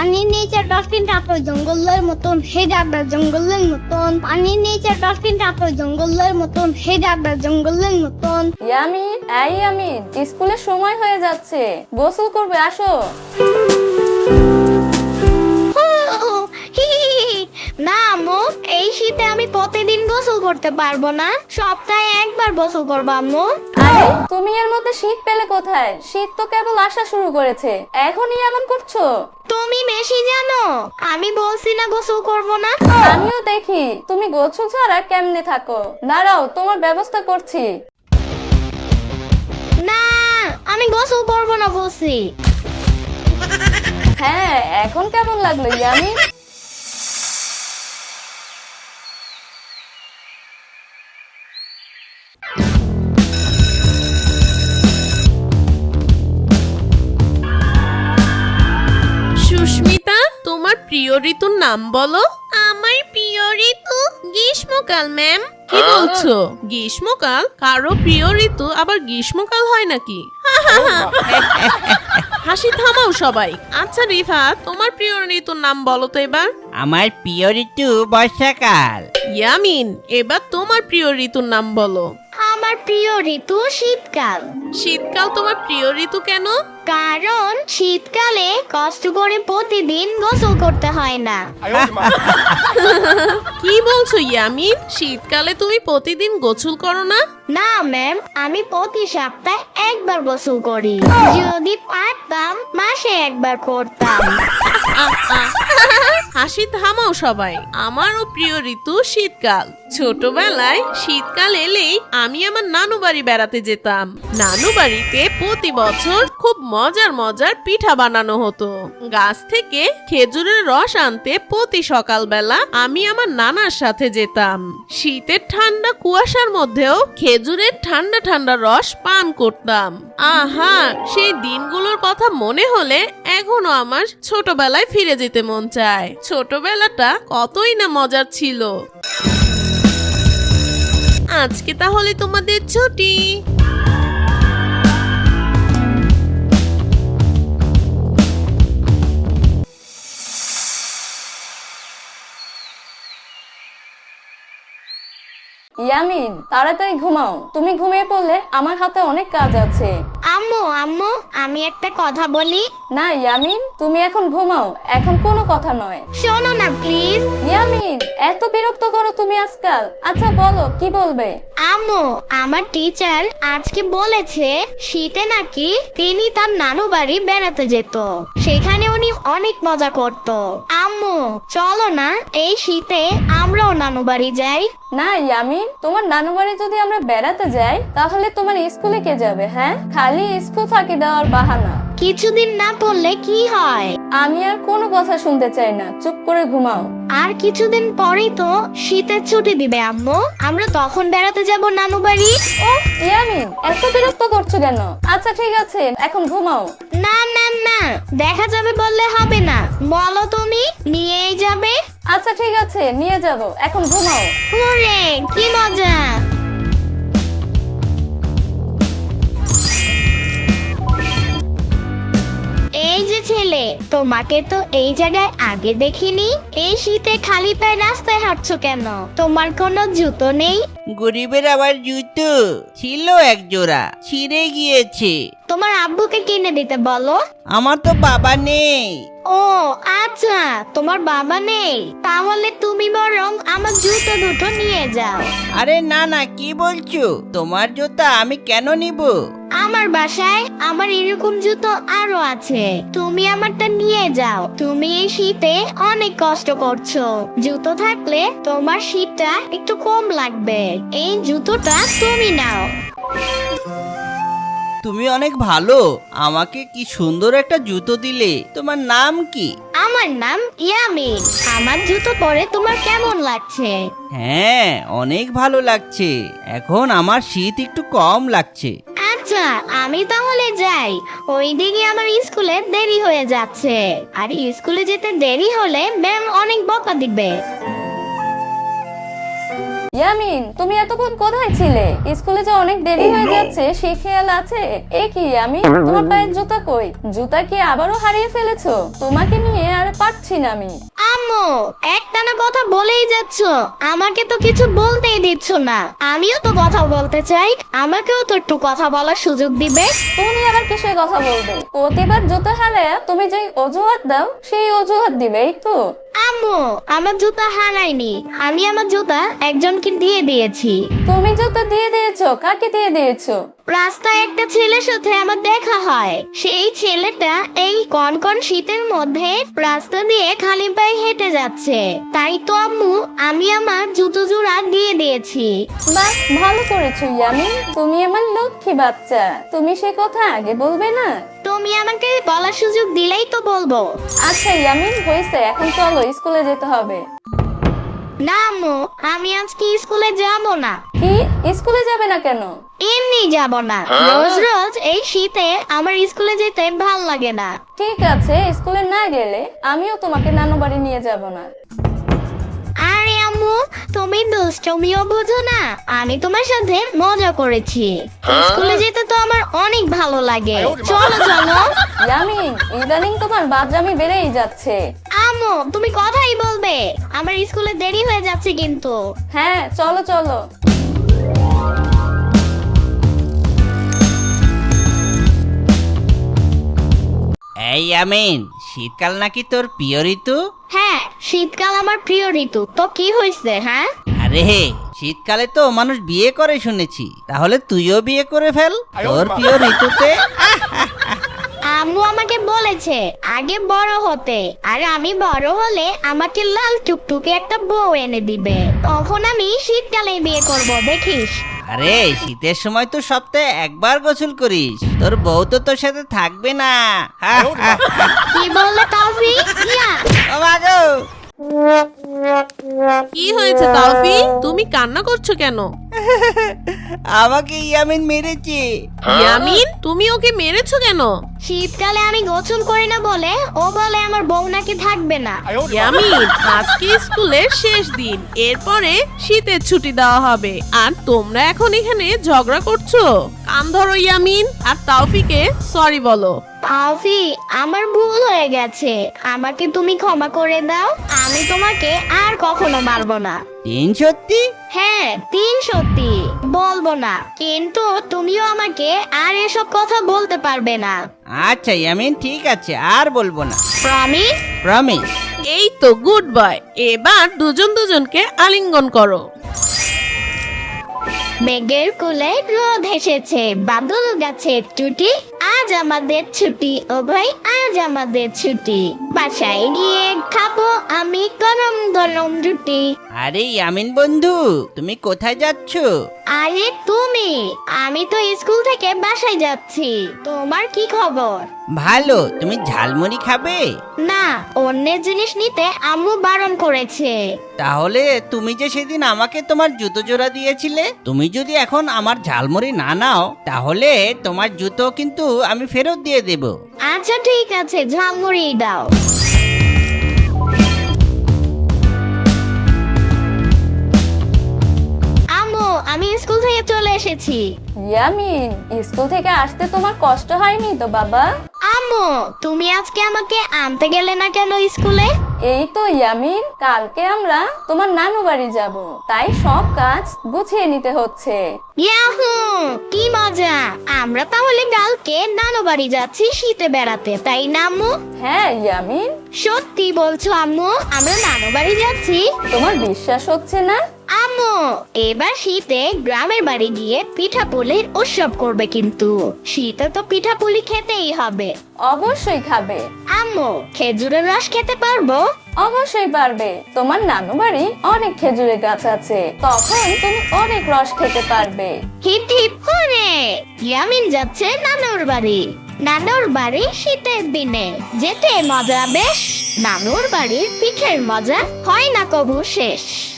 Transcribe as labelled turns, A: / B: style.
A: পানির নিচে ডলফিনটা তো জঙ্গলের মতন, হে যাবে জঙ্গলের মতন। পানির নিচে ডলফিনটা তো জঙ্গলের মতন, হে যাবে জঙ্গলের মতন।
B: ইয়ামিন, এই ইয়ামিন, স্কুলের সময় হয়ে যাচ্ছে, গোসল করবে, আসো।
A: না আম্মু, এই শীতে আমি প্রতিদিন গোসল করতে পারবো না, সপ্তাহে একবার গোসল করবো আম্মু।
B: আরে তুমি এর মধ্যে শীত পেলে কোথায়? শীত তো কেবল আসা শুরু করেছে, এখনই এমন করছো।
A: তুমি বেশি জানো, আমি বলছি না গোসল করবো না।
B: আমিও দেখি তুমি গোসল ছাড়া কেমনে থাকো। দাঁড়াও, তোমার ব্যবস্থা করছি।
A: না, আমি গোসল করবো না বলছি।
B: হ্যাঁ, এখন কেমন লাগলো ইয়ামিন?
C: সুস্মিতা, তোমার প্রিয় ঋতুর নাম বলো। আমার প্রিয় ঋতু গ্রীষ্মকাল ম্যাম। কি বলছো? গ্রীষ্মকাল? কারো প্রিয় ঋতু আবার গ্রীষ্মকাল হয় নাকি? হাসি থামাও সবাই। আচ্ছা রিফাত, তোমার প্রিয় ঋতুর নাম বলো তো এবার।
D: আমার প্রিয় ঋতু বর্ষাকাল।
C: ইয়ামিন, এবার তোমার প্রিয় ঋতুর নাম বলো।
A: আমার প্রিয় ঋতু শীতকাল।
C: শীতকাল তোমার প্রিয় ঋতু কেন?
A: কারণ শীতকালে কষ্ট করে প্রতিদিন গোসল করতে হয় না।
C: কি বলছো ইয়ামিন? শীতকালে তুমি প্রতিদিন গোসল করো না?
A: না ম্যাম, আমি প্রতি সপ্তাহে একবার গোসল করি। যদি পারতাম মাসে একবার করতাম।
C: হাসি থামাও সবাই। আমারও প্রিয় ঋতু শীতকাল। ছোটবেলায় শীতকাল এলেই আমি আমার নানু বাড়ি বেড়াতে যেতাম। নানু বাড়িতে প্রতি বছর খুব মজার মজার পিঠা বানানো হতো। গাছ থেকে খেজুরের রস আনতে প্রতি সকালবেলা আমি আমার নানার সাথে যেতাম। শীতের ঠান্ডা কুয়াশার মধ্যেও খেজুরের ঠান্ডা ঠান্ডা রস পান করতাম। আহা, সেই দিনগুলোর কথা মনে হলে এখনো আমার ছোটবেলায় ফিরে যেতে মন চায়। ছোটবেলাটা কতই না মজার ছিল। আজকে তাহলে তোমাদের ছুটি।
B: ইয়ামিন, তাড়াতাড়ি ঘুমাও। তুমি ঘুমিয়ে পড়লে আমার হাতে অনেক কাজ আছে।
A: আম্মু আম্মু, আমি একটা কথা বলি।
B: না ইয়ামিন, তুমি এখন ঘুমাও, এখন কোনো কথা নয়।
A: শোনো না প্লিজ।
B: ইয়ামিন, এত বিরক্ত করো তুমি আজকাল। আচ্ছা বলো, কি বলবে?
A: আম্মু, আমার টিচার আজকে বলেছে শীতে নাকি তিনি তার নানু বাড়ি বেড়াতে যেত, সেখানে উনি অনেক মজা করত। আম্মু, চলো না এই শীতে আমরাও নানু বাড়ি যাই।
B: না ইয়ামিন, তোমার নানু বাড়ি যদি আমরা বেড়াতে যাই তাহলে তোমার স্কুলে কে যাবে? হ্যাঁ, খালি স্কুল ফাঁকি দেওয়ার বাহানা।
A: কিছুদিন না পড়লে কি হয়?
B: আমি আর কোনো কথা শুনতে চাই না, চুপ করে ঘুমাও।
A: আর কিছুদিন পরেই তো শীতের ছুটি দিবে আম্মু, আমরা তখন বেড়াতে যাব নানু বাড়ি।
B: ও ইয়ামিন, এত বিরক্ত করছো কেন? আচ্ছা ঠিক আছে, এখন ঘুমাও।
A: না না না, দেখা যাবে বললে হবে না, বলো তুমি নিয়েই যাবে।
B: আচ্ছা ঠিক আছে, নিয়ে যাব, এখন ঘুমাও।
A: ওরে কি মজা। এই যে ছেলে, তোমাকে তো এই জায়গায় আগে দেখিনি। এই শীতে খালি পায়ে রাস্তায় হাঁটছো কেন? তোমার কোনো জুতো নেই?
D: গরিবের আবার জুতো ছিল এক জোড়া, ছিঁড়ে গিয়েছে।
A: তোমার আব্বুকে কিনে দিতে বলো।
D: আমার তো বাবা নেই।
A: ও আচ্ছা, তোমার বাবা নেই, তাহলে তুমি বরং আমার জুতো দুটো নিয়ে যাও।
D: আরে না না, কি বলছো? তোমার জুতা আমি কেন নিব?
A: আমার বাসায় আমার এরকম জুতো আরো আছে, তুমি আমারটা নিয়ে যাও। তুমি এই শীতে অনেক কষ্ট করছো, জুতো থাকলে তোমার শীতটা একটু কম লাগবে। এই জুতোটা তুমি নাও।
D: তুমি অনেক ভালো, আমাকে কি সুন্দর একটা জুতো দিলে। তোমার নাম কি?
A: আমার নাম ইয়ামিন। আমার জুতো পরে তোমার কেমন লাগছে?
D: হ্যাঁ, অনেক ভালো লাগছে। এখন আমার শীত একটু কম লাগছে।
A: আচ্ছা, আমি তাহলে যাই, ওইদিকে আমার স্কুলে দেরি হয়ে যাচ্ছে। আর স্কুলে যেতে দেরি হলে ম্যাম অনেক বকা দিবে।
B: ইয়ামিন, তুমি এতক্ষণ কোথায় ছিলে? স্কুলে যে অনেক দেরি হয়ে যাচ্ছে, সে খেয়াল আছে? এ কি ইয়ামিন, তোমার পায়ের জুতা কই? জুতা কি আবারও হারিয়ে ফেলেছো? তোমাকে নিয়ে আর পারছি না আমি।
A: আম্মু, একটানা কথা বলেই যাচ্ছ, আমাকে তো কিছু বলতেই দিচ্ছ না। আমিও তো কথা বলতে চাই, আমাকেও তো একটু কথা বলার সুযোগ দিবে।
B: তুমি আবার কিসের কথা বলবে? প্রতিবার জুতা হারায় তুমি যে অজুহাত দাও, সেই অজুহাত দিবেই তো।
A: আম্মু, আমার জুতা হারাইনি, আমি আমার জুতা একজনকে দিয়ে দিয়েছি।
B: তুমি জুতা দিয়ে দিয়েছো? কাকে দিয়ে দিয়েছো?
A: রাস্তায় একটা ছেলের সাথে আমার দেখা হয়, সেই ছেলেটা এই কনকন শীতের মধ্যে রাস্তা দিয়ে খালি পায়ে হেঁটে যাচ্ছে, তাই তো আম্মু আমি আমার জুতো জোড়া দিয়ে দিয়েছি।
B: বাহ, ভালো করেছো ইয়ামিন, তুমি আমার লক্ষ্মী বাচ্চা। তুমি সে কথা আগে বলবে না?
A: তুমি আমাকে বলার সুযোগ দিলেই তো বলবো।
B: আচ্ছা ইয়ামিন, হয়েছে, এখন চলো, স্কুলে যেতে হবে।
A: না আম্মু, আমি আজকে স্কুলে যাব না।
B: কি, স্কুলে যাবে না কেন?
A: এমনি যাব না, রোজ রোজ এই শীতে আমার স্কুলে যেতে ভাল লাগে না।
B: ঠিক আছে, স্কুলে না গেলে আমিও তোমাকে নানু বাড়ি নিয়ে যাব না।
A: আরে আম্মু, তুমি দুষ্টমিও বোঝো না, আমি তোমার সাথে মজা করেছি। স্কুলে যেতে তো আমার অনেক ভালো লাগে, চলো চলো।
B: ইয়ামিন, ইদানিং তোমার বাদরামি বেড়েই যাচ্ছে।
A: আম্মু, তুমি কথাই বলবে, আমার স্কুলে দেরি হয়ে যাচ্ছে কিন্তু।
B: হ্যাঁ, চলো চলো।
D: এই ইয়ামিন, শীতকাল নাকি তোর প্রিয় ঋতু?
A: হ্যাঁ, শীতকাল আমার প্রিয় ঋতু, তো কি হয়েছে? হ্যাঁ,
D: আরে শীতকালে তো মানুষ বিয়ে করে শুনেছি, তাহলে তুইও বিয়ে করে ফেল তোর প্রিয় ঋতুতে।
A: আম্মু আমাকে বলেছে আগে বড় হতে, আর আমি বড় হলে আমাকে লাল টুকটুকে একটা বউ এনে দিবে, তখন আমি শীতকালে বিয়ে করব, দেখিস।
D: আরে শীতের সময় তো সপ্তাহে একবার গোসল করিস, তোর বউ তো তোর সাথে থাকবে না।
A: কি বললে তাওফি? ইয়া,
D: ও মা গো!
C: কি হয়েছে তাওফি, তুমি কান্না করছো কেন?
D: আমাকে ইয়ামিন মেরেছে।
C: ইয়ামিন, তুমি ওকে মেরেছো কেন?
A: শীতকালে আমি গোসল করি না বলে ও বলে আমার বউ নাকি থাকবে না।
C: ইয়ামিন, আজকে স্কুলের শেষ দিন, এরপরে শীতের ছুটি দেওয়া হবে, আর তোমরা এখন এখানে ঝগড়া করছো? কান ধরো ইয়ামিন, আর তাওফিকে সরি বলো।
A: তাওফি, আমার ভুল হয়ে গেছে, আমাকে তুমি ক্ষমা করে দাও, আমি তোমাকে আর কখনো মারবো না।
D: সত্যি?
A: হ্যাঁ, সত্যি বলবো না, কিন্তু তুমিও আমাকে আর এসব কথা বলতে পারবে না।
D: আচ্ছা ইয়ামিন, ঠিক আছে, আর বলবো না।
A: প্রমিস?
D: প্রমিস।
C: এই তো গুড বয়, এবার দুজন দুজনকে আলিঙ্গন করো।
A: মেঘের কোলে রোদ এসেছে, বাদল গাছের টুটি, আজ আমাদের ছুটি, ও ভাই আজ আমাদের ছুটি, বাসায় গিয়ে খাবো আমি গরম গরম রুটি।
D: আরে ইয়ামিন বন্ধু, তুমি কোথায় যাচ্ছ?
A: আরে তুমি, আমি তো স্কুল থেকে বাসায় যাচ্ছি, তোমার কি খবর?
D: ভালো। তুমি ঝালমুড়ি খাবে?
A: না, অন্যের জিনিস নিতে আম্মু বারণ করেছে।
D: তাহলে তুমি যে সেদিন আমাকে তোমার জুতো জোড়া দিয়েছিলে, তুমি যদি এখন আমার ঝালমুড়ি না নাও, তাহলে তোমার জুতো কিন্তু আমি ফেরত দিয়ে দেব।
A: আচ্ছা ঠিক আছে, ঝালমুড়ি দাও। আম্মু, আমি স্কুল থেকে চলে এসেছি।
B: ইয়ামিন, স্কুল থেকে আসতে তোমার কষ্ট হয়নি তো বাবা?
A: আম্মু, তুমি আজকে আমাকে আনতে গেলে না কেন স্কুলে?
B: এই তো ইয়ামিন, কালকে আমরা তোমার নানু বাড়ি যাব, তাই সব কাজ গুছিয়ে নিতে হচ্ছে।
A: ইয়াহু, কি মজা! আমরা তাহলে কালকে নানু বাড়ি যাচ্ছি শীতে বেড়াতে, তাই না আম্মু?
B: হ্যাঁ ইয়ামিন,
A: সত্যি বলছো আম্মু, আমরা নানু বাড়ি যাচ্ছি?
B: তোমার বিশ্বাস হচ্ছে না?
A: আম্মু, এবার শীতে গ্রামের বাড়ি গিয়ে পিঠাপুলির উৎসব করবে, কিন্তু শীতে তো পিঠাপুলি খেতেই হবে।
B: অবশ্যই খাবে।
A: আম্মু, খেজুরের রস খেতে পারবো?
B: অবশ্যই পারবে, তোমার নানু বাড়ি অনেক খেজুরের গাছ আছে, তখন তুমি অনেক রস খেতে পারবে।
A: হিপ হিপ করে ইয়ামিন যাচ্ছে নানুর বাড়ি। নানুর বাড়ি শীতের দিনে যেতে মজা বেশ, নানুর বাড়ির পিঠের মজা হয় না কবু শেষ।